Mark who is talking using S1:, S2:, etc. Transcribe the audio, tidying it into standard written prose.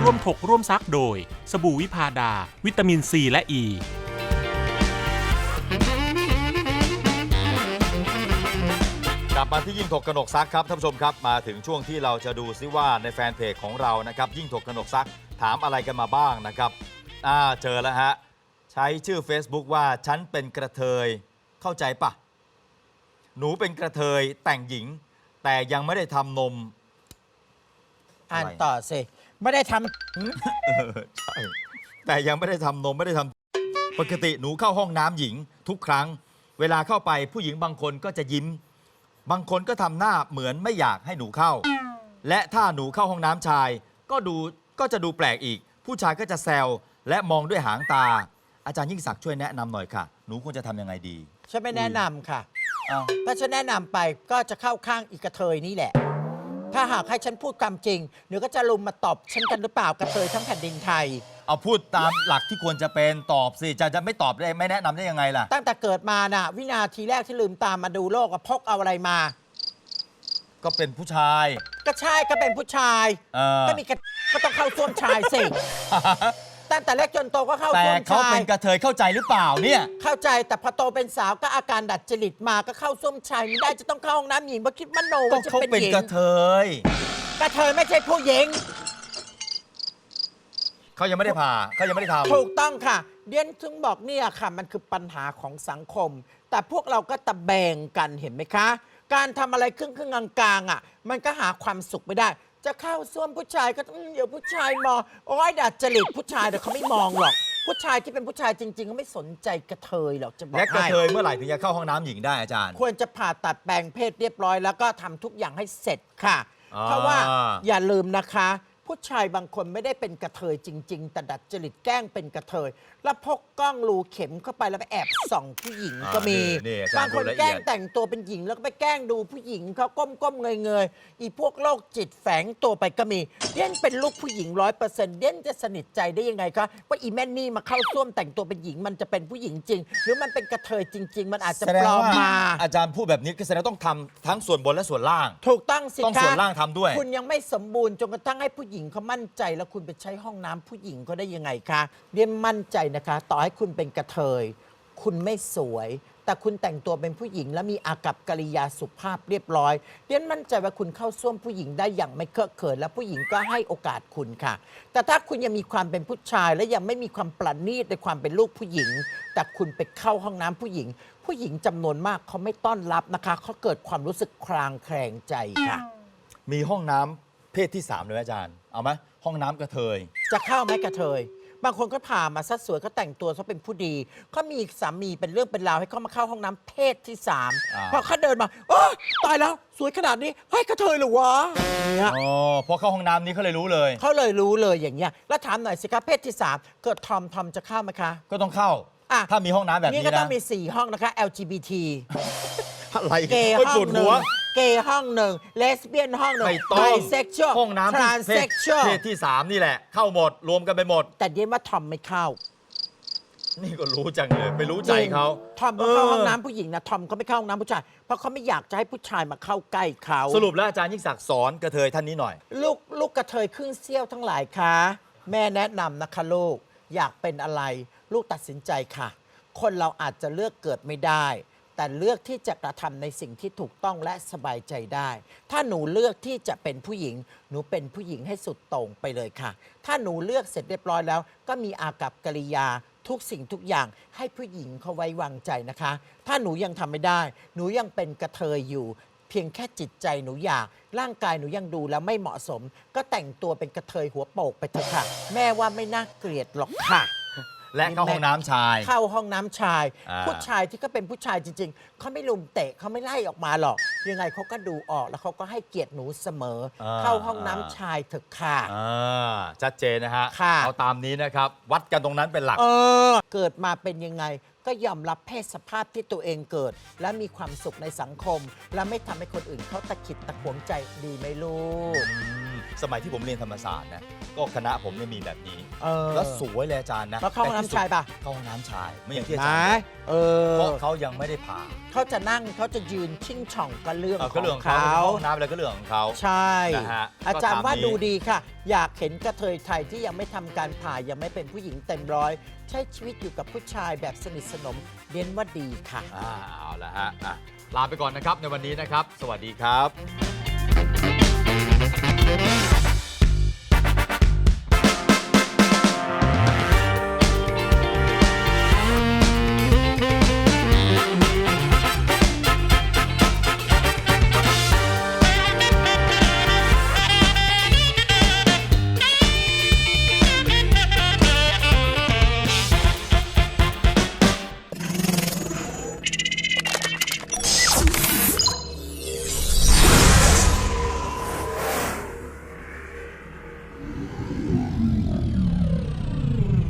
S1: ร่วมถกร่วมซักโดยสบู่วิพาดาวิตามินซีและอ e. ี
S2: กลับมาที่ยิ่งถกกนกซักครับท่านผู้ชมครับมาถึงช่วงที่เราจะดูซิว่าในแฟนเพจของเรานะครับยิ่งถกกนกซักถามอะไรกันมาบ้างนะครับเจอแล้วฮะใช้ชื่อ Facebook ว่าฉันเป็นกระเทยเข้าใจปะหนูเป็นกระเทยแต่งหญิงแต่ยังไม่ได้ทำนม
S3: อ่านต่อสิไม่ได้ท
S2: ใช่แต่ยังไม่ได้ทำนมไม่ได้ทำปกติหนูเข้าห้องน้ำหญิงทุกครั้งเวลาเข้าไปผู้หญิงบางคนก็จะยิ้มบางคนก็ทำหน้าเหมือนไม่อยากให้หนูเข้าและถ้าหนูเข้าห้องน้ำชายก็จะดูแปลกอีกผู้ชายก็จะแซวและมองด้วยหางตาอาจารย์ยิ่งศักดิ์ช่วยแนะนำหน่อยค่ะหนูควรจะทำยังไงดี
S3: ำฉันไม่แนะนำค่ะ
S2: อ้าว
S3: ถ้าฉันแนะนำไปก็จะเข้าข้างอีกระเทยนี่แหละ ถ้าหากให้ฉันพูดความจริงเดี๋ยวก็จะลุมมาตอบฉันกันหรือเปล่ากระเทยทั้งแผ่นดินไทย
S2: เอาพูดตามหลักที่ควรจะเป็นตอบสิจะไม่ตอบได้ไม่แนะนำได้ยังไงล่ะ
S3: ตั้งแต่เกิดมาน่ะวินาทีแรกที่ลืมตามมาดูโลกพกเอาอะไรมา
S2: ก็เป็นผู้ชาย
S3: ก็ใช่ก็เป็นผู้ชาย ก็มีก็ต้องเข้าส้วมชายสิ ตั้งแต่เล็กจนโตก็เข้า
S2: แต่
S3: ส้วม
S2: เขา
S3: ชาย
S2: เป็นกระเทยเข้าใจหรือเปล่าเนี่ย
S3: เข้าใจแต่พอโตเป็นสาวก็อาการดัดจริตมาก็เข้าส้วมชายไม่ได้จะต้องเข้าห้องน้ำหญิงเพราะคิดมโน
S2: ก็
S3: ว่าจะ
S2: เขา
S3: เป็น
S2: เป็น
S3: หญิง
S2: กระเทย
S3: กระเทยไม่ใช่ผู้หญิง
S2: เขายังไม่ได้ผ่าเขายังไม่ได้ทำ
S3: ถูกต้องค่ะเดียนถึงบอกเนี่ยค่ะมันคือปัญหาของสังคม แต่พวกเราก็ตะแบงกันเห็นไหมคะ การทำอะไรครึ่งกลางๆอ่ะมันก็หาความสุขไม่ได้ จะเข้าส้วมผู้ชายก็เดี๋ยวผู้ชายมองโอ้ยดัดจริตผู้ชายแต่เขาไม่มองหรอก ผู้ชายที่เป็นผู้ชายจริงๆเขาไม่สนใจกระเทยหรอกจะบอก
S2: และกระ
S3: ให้
S2: เทยเมื่อไหร่ถึงจะเข้าห้องน้ำหญิงได้อาจารย์
S3: ควรจะผ่าตัดแปลงเพศเรียบร้อยแล้วก็ทำทุกอย่างให้เสร็จค่ะ
S2: อ่า
S3: เพราะว่าอย่าลืมนะคะ ผู้ชายบางคนไม่ได้เป็นกระเทยจริง ๆ แต่ดัดจริตแกล้งเป็นกระเทย แล้วพกกล้องรูเข็มเข้าไปแล้วไปแอบส่องผู้หญิงก็มี
S2: นี่อาจาร
S3: บาง
S2: ย์
S3: คน
S2: ดูละ
S3: แกล้
S2: เอี
S3: ง
S2: ยด
S3: แต่งตัวเป็นหญิงแล้วก็ไปแกล้งดูผู้หญิงเขาก้มเงยอีพวกโรคจิตแฝงตัวไปก็มีเด่นเป็นลูกผู้หญิง100%เด่นจะสนิทใจได้ยังไงคะว่าอีแม่นี่มาเข้าส้วมแต่งตัวเป็นหญิงมันจะเป็นผู้หญิงจริง หรือมันเป็นกระเทยจริง ๆ มันอาจจะ
S2: แสด
S3: ป
S2: ง
S3: ลอม
S2: ว่า
S3: มา
S2: อาจารย์พูดแบบนี้ก็แสดงว่าต้องทำทั้งส่วนบนและส่วนล่าง
S3: ถูกต้องสิ
S2: ต้อง
S3: คะ
S2: ส่วนล่างทำด้วย
S3: คุณยังไม่สมบูรณ์จนกระทั่งให้ผู้หญิงเขามั่นใจแล้วคุณไปใช้ห้องน้ำผู้หญิงเขาได้ยังไงคะเรียนมั่นใจนะคะ ต่อให้คุณเป็นกระเทยคุณไม่สวย แต่คุณแต่งตัวเป็นผู้หญิง และมีอากัปกิริยาสุภาพเรียบร้อยเรียนมั่นใจว่าคุณเข้าส้วมผู้หญิงได้อย่างไม่เคอะเขินและผู้หญิงก็ให้โอกาสคุณค่ะ แต่ถ้าคุณยังมีความเป็นผู้ชาย และยังไม่มีความประณีตในความเป็นลูกผู้หญิง แต่คุณไปเข้าห้องน้ำผู้หญิง ผู้หญิงจำนวนมากเขาไม่ต้อนรับนะคะเขาเกิดความรู้สึกคลางแคลงใจค่ะ
S2: มีห้องน้ำเพศที่ 3เลยไหมอาจารย์เอาไหมห้องน้ำกระเทย
S3: จะเข้าไหมกระเทย บางคนก็ผ่ามาซะสวยก็แต่งตัวซะเป็นผู้ดีเขามีสามีเป็นเรื่องเป็นราวให้เขามาเข้าห้องน้ำเพศที่3พอเขาเดินมาโอ้ตายแล้วสวยขนาดนี้เฮ้ยกระเทยเหรอวะเนี่ย
S2: อ๋อพอเข้าห้องน้ำนี้เขาเลยรู้เลย
S3: เขาเลยรู้เลยอย่างเงี้ยแล้วถามหน่อยสิครับเพศที่3เกิดทอมจะเข้าไหมคะ
S2: ก็ต้องเข้า
S3: อ่ะ
S2: ถ้ามีห้องน้ำแบบ
S3: นี่
S2: นี้
S3: ก็ต้อ
S2: นะ
S3: งมี4ห้องนะคะ LGBT
S2: อะไร
S3: เกย์
S2: ไม่
S3: ห้อ
S2: ป
S3: ง
S2: วด
S3: หนึ่
S2: หั
S3: ง
S2: ว
S3: เกย์ห้องหนึ่งเลสเบี้ยนห้องหนึ่ง
S2: ไม่ต้อง
S3: ไบเซ็กชวล
S2: ห้องน้ำ
S3: ทราน
S2: เพ
S3: เซ็
S2: ศ
S3: กชวล
S2: เพศที่ 3 นี่แหละ เข้าหมดรวมกันไปหมด
S3: แต่เดียนว่าทอมไม่เข้า
S2: นี่ก็รู้จังเลยไม่รู้ใจเขา
S3: ทอมเขาเข้าห้องน้ำผู้หญิงนะทอมเขาไม่เข้าห้องน้ำผู้ชายเพราะเขาไม่อยากจะให้ผู้ชายมาเข้าใกล้เขา
S2: สรุปแล้วอาจารย์ยิ่งศักดิ์สอนกระเทยท่านนี้หน่อย
S3: ลูกกระเทยครึ่งเสี้ยวทั้งหลายคะแม่แนะนำนะคะลูกอยากเป็นอะไร ลูกตัดสินใจค่ะ คนเราอาจจะเลือกเกิดไม่ได้ แต่เลือกที่จะกระทำในสิ่งที่ถูกต้องและสบายใจได้ ถ้าหนูเลือกที่จะเป็นผู้หญิง หนูเป็นผู้หญิงให้สุดโต่งไปเลยค่ะ ถ้าหนูเลือกเสร็จเรียบร้อยแล้ว ก็มีอากัปกิริยาทุกสิ่งทุกอย่างให้ผู้หญิงเขาไว้วางใจนะคะ ถ้าหนูยังทำไม่ได้ หนูยังเป็นกระเทยอยู่ เพียงแค่จิตใจหนูอยากร่างกายหนูยังดูแล้วไม่เหมาะสม ก็แต่งตัวเป็นกระเทยหัวโปกไปเถอะค่ะ แม่ว่าไม่น่าเกลียดหรอกค่ะ
S2: และเข้าห้องน้ำชาย
S3: เข้าห้องน้ำชาย
S2: อ่า
S3: ผู้ชายที่ก็เป็นผู้ชายจริง ๆ เขาไม่ลุมเตะเขาไม่ไล่ออกมาหรอก ยังไงเขาก็ดูออกแล้วเขาก็ให้เกียรติหนูเสมอ เข้าห้องน้ำชายเถอะค่ะ
S2: ชัดเจนนะฮะ
S3: ค่ะ
S2: เอาตามนี้นะครับ วัดกันตรงนั้นเป็นหลัก
S3: เกิดมาเป็นยังไงก็ยอมรับเพศสภาพที่ตัวเองเกิด และมีความสุขในสังคม และไม่ทำให้คนอื่นเขาตะขิดตะขวงใจดีไหมลูก
S2: สมัยที่ผมเรียนธรรมศาสตร์นะก็คณะผมเนี่ยมีแบบนี้
S3: ๆ
S2: แล้วสวยเลยอาจารย์นะ
S3: แล้วเข้าห้องน้ำชายป่ะ
S2: เข้าห้องน้ำชายไม่อย่างที่อา
S3: ไหน
S2: จารย์บอกเพราะเขายังไม่ได้ผ่า
S3: เขาจะนั่งเขาจะยืนชิ่งช่องก็เรื่อง
S2: ก็เรื่อง
S3: ข
S2: ข
S3: อ
S2: อง งเขา
S3: เขา
S2: ห้องน้ำอะไรก็เรื่องของเขา
S3: ใช่
S2: นะฮะ
S3: อาจารย์
S2: ก็ตาม
S3: ว่า
S2: นี้
S3: ดูดีค่ะ อยากเห็นกระเทยไทยที่ยังไม่ทำการผ่ายังไม่เป็นผู้หญิงเต็มร้อย ใช้ชีวิตอยู่กับผู้ชายแบบสนิทสนมเน้นว่าดีค่ะ
S2: เอาละฮะลาไปก่อนนะครับในวันนี้นะครับ สวัสดีครับ